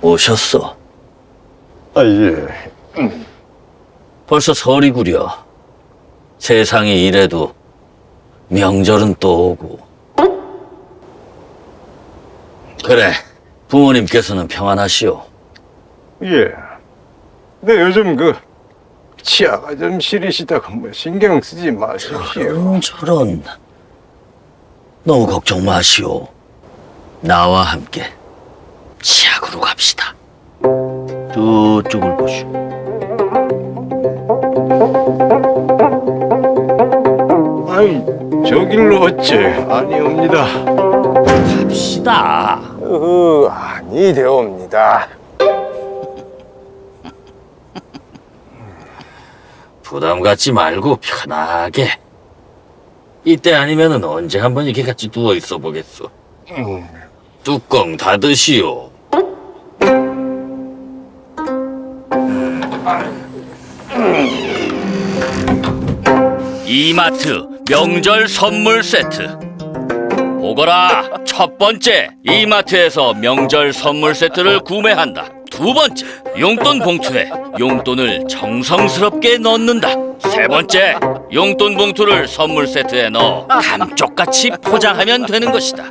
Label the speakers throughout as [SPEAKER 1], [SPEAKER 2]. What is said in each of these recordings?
[SPEAKER 1] 오셨어.
[SPEAKER 2] 아, 예.
[SPEAKER 1] 벌써 설이구려. 세상이 이래도 명절은 또 오고. 그래, 부모님께서는 평안하시오.
[SPEAKER 2] 예. 근데 요즘 치아가 좀 시리시다가 신경 쓰지 마십시오.
[SPEAKER 1] 저런. 너무 걱정 마시오. 나와 함께 치약으로 갑시다. 저쪽을 보시오.
[SPEAKER 2] 아이, 저길로 어째 아니옵니다.
[SPEAKER 1] 갑시다.
[SPEAKER 2] 아니 되옵니다.
[SPEAKER 1] 부담 갖지 말고 편하게. 이때 아니면은 언제 한번 이렇게 같이 누워 있어 보겠소. 뚜껑 닫으시오. 이마트 명절 선물 세트. 보거라, 첫 번째, 이마트에서 명절 선물 세트를 구매한다. 두 번째, 용돈 봉투에 용돈을 정성스럽게 넣는다. 세 번째, 용돈 봉투를 선물 세트에 넣어 감쪽같이 포장하면 되는 것이다.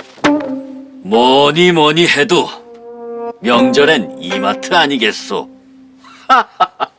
[SPEAKER 1] 뭐니 뭐니 해도 명절엔 이마트 아니겠소.